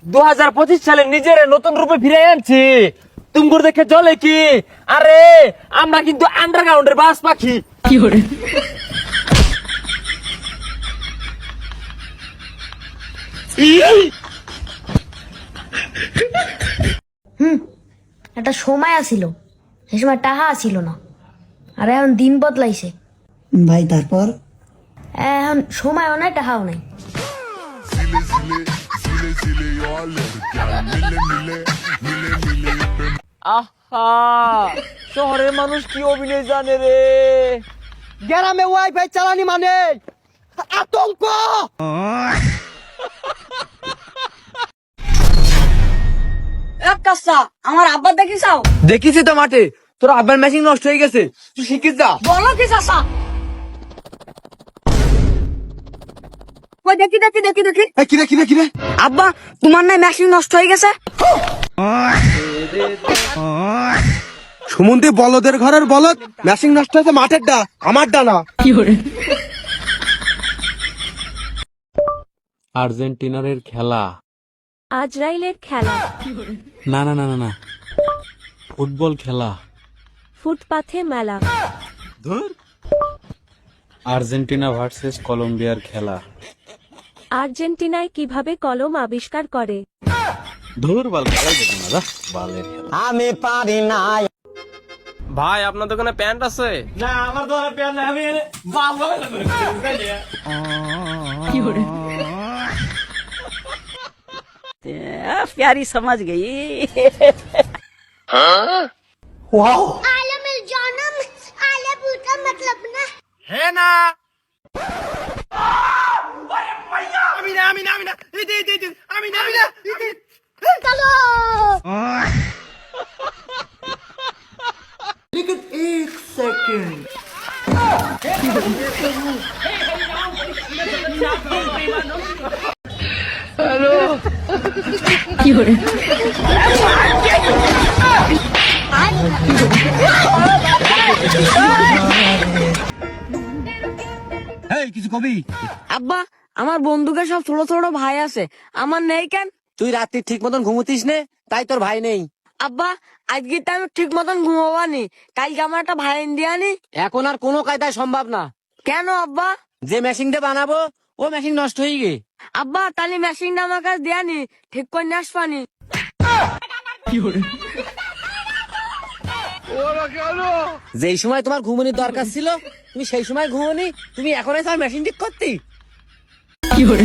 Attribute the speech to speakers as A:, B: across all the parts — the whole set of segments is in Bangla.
A: 2025 সালে নিজের নতুন রূপে ফিরে আনছি। তুমগুর দেখে চলে কি? আরে আমরা কিন্তু আন্ডারগ্রাউন্ডের বাস পাখি।
B: কি করে?
C: একটা সময় আসিল, সে সময় টাহা আসিল না, আর এখন দিন বদলাইছে
D: ভাই। তারপর
C: এখন সময়ও নাই টাহাও নাই।
A: আহা, শহরের মানুষ কি অভিনয় জানে রে।
D: গ্রামে ওয়াইফাই চালানি মানে আতঙ্ক।
B: আমার আব্বা দেখিসাও?
A: দেখিছি তো মাঠে, তোর আব্বার মেশিন নষ্ট হয়ে গেছে, তুই শিখিস যা।
B: বলো কি চাচা? ওই দেখি দেখি দেখি দেখি
D: কিরে
B: আব্বা, তোমার নাই মেশিন নষ্ট হয়ে গেছে?
D: সুমন্তি বলদের ঘরের বলদ, মেশিন নষ্ট হয়েছে মাঠের ডা, আমার ডা না।
B: কি করে?
E: আর্জেন্টিনার খেলা।
F: আজরাইলের খেলা।
E: না না না না না, ফুটবল খেলা।
F: ফুটপাথে মেলা।
E: আর্জেন্টিনা ভার্সেস কলম্বিয়ার খেলা।
F: আর্জেন্টিনায় কিভাবে কলম আবিষ্কার করে?
E: ধুর বাল, খেলা যেত না দা, বালের খেলা।
D: আমি পারি না।
A: ভাই আপনার দোকানে প্যান্ট আছে? না আমার দোকানে প্যান্ট নাই, আমি বাল
B: কি করে?
G: प्यारी समझ गई।
D: ওয়াও,
A: হে না। আমি না আমি না আমি না আমি না আমি না।
B: কি করে?
D: এই কিছু কবি?
B: আব্বা, আমার বন্ধুকে সব ছোট ছোট ভাই আছে, আমার নেই কেন?
D: তুই রাত্রি ঠিক মতন ঘুমুতিস নে, তাই তোর ভাই নেই।
B: আব্বা, আজকে তো আমি ঠিক মতন ঘুমাবানি, কালকে আমার একটা ভাই দিয়ানি।
D: এখন আর কোনো কায়দায় সম্ভব না।
B: কেন আব্বা?
D: যে মেশিনটা বানাবো ও মেশিন নষ্ট হয়ে গে।
B: আব্বা, তাহলে মেশিনটা আমার কাছে দেয়ানি, ঠিক করে নিয়ে আসবানি।
D: যেই সময় তোমার ঘুমনির দরকার ছিল তুমি সেই সময় ঘুমনি, তুমি এখন এসে আর মেশিন ঠিক করতি।
B: কি করে?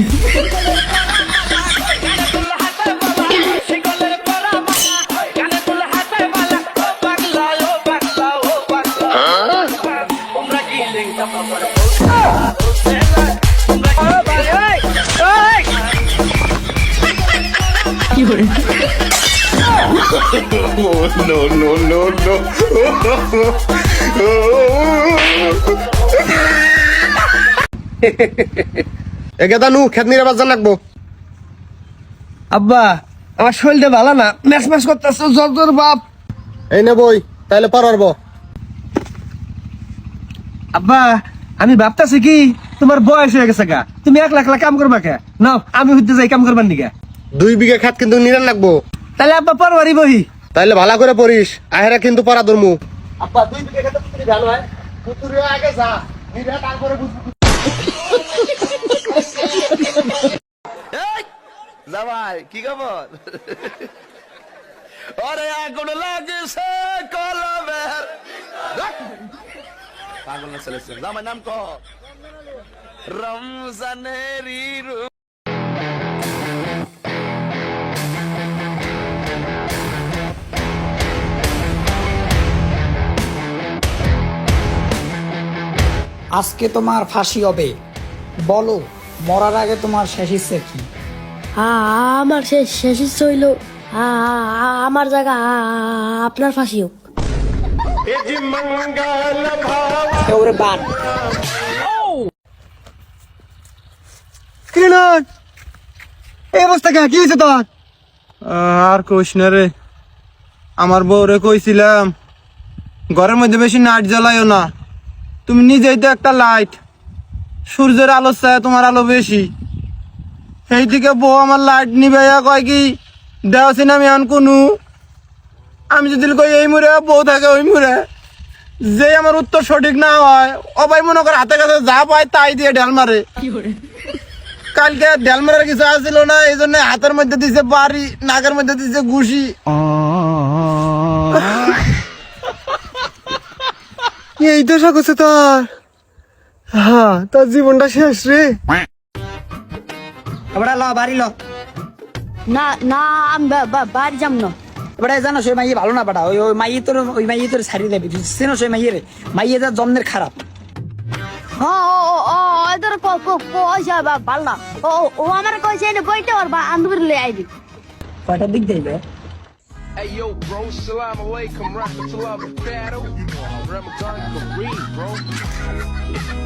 B: কি করে?
D: এগেদা নু খেত নিয়ে বাজার লাগবো। আব্বা, আমার শরীরটা ভালো না, ম্যাচ ম্যাচ করতেছে, জ্বর জ্বর বাপ। এই নে বই, তাইলে পারবো। আব্বা, আমি ভাবতাছি কি তোমার বয়স হয়ে গেছে গা, তুমি একলা একলা কাম করবা কে? নাও আমি হইতে যাই কাম করবার নিগা। 2 বিঘা খাত কিন্তু নিরান লাগবো। তাহলে আব্বা পরবারই বহি। তাইলে ভালো করে পড়িস, আহেরা কিন্তু পড়া ধরমু। আব্বা 2 বিঘা খাত তুমি জানো হয়, পুতুরে আগে যা, নিরা তারপরে বুঝবি।
H: জামাই কি খবর? ওরে আগুন লাগছে কলমের। পাগল না চলেছে, জামাই নাম কহ। রমজানেরই রূপ।
I: আজকে তোমার ফাঁসি হবে, বলো মরার আগে তোমার শেষ ইচ্ছে কি?
C: আমার শেষ ইচ্ছা হইল আমার জায়গা আপনার ফাঁসি হোক।
I: ওরে বাদ।
D: এই অবস্থা কে? কি হয়েছে তোর? আর কইস না রে, আমার বউরে কইছিলাম ঘরের মধ্যে বেশি নাইট জ্বালাইও না, তুমি নিজেই তো একটা লাইট, সূর্যের আলো চায় তোমার আলো বেশি। এইদিকে বউ আমার লাইট নিবাইয়া কয় কি দেওয়াছি আমি এখন কোনো আমি যদি কই এই মুড়ে বউ থাকে ওই মুড়ে যে আমার উত্তর সঠিক না হয় অবাই মনে করে হাতে কাছে যা পায় তাই দিয়ে ঢেল মারে কালকে ঢেল মারার কিছু আসছিল না এই জন্য হাতের মধ্যে দিছে বাড়ি নাকের মধ্যে দিছে ঘুষি এই তো করছে তোর হ্যাঁ তোর জীবনটা শেষ রে
I: এবারে ল বাড়ি ল
C: না না আমি বাড়ি যাম না
I: এবারে জানো সে মাইয়ে ভালো না বেটা ওই ওই মাইয়ে তোর ছাড়িয়ে দেবে চেনো সে মাইয়ে রে মাইয়ে যা জন্মের খারাপ
C: ওদের পয়সা ভালো না ও আমার কইছে বইতে ওর বান্ধবীর লই আইবি
I: কয়টার দিক দেবে
H: Hey yo, bro, salam alaikum, rahmatullah, barakatuh. Ramadan Kareem, bro.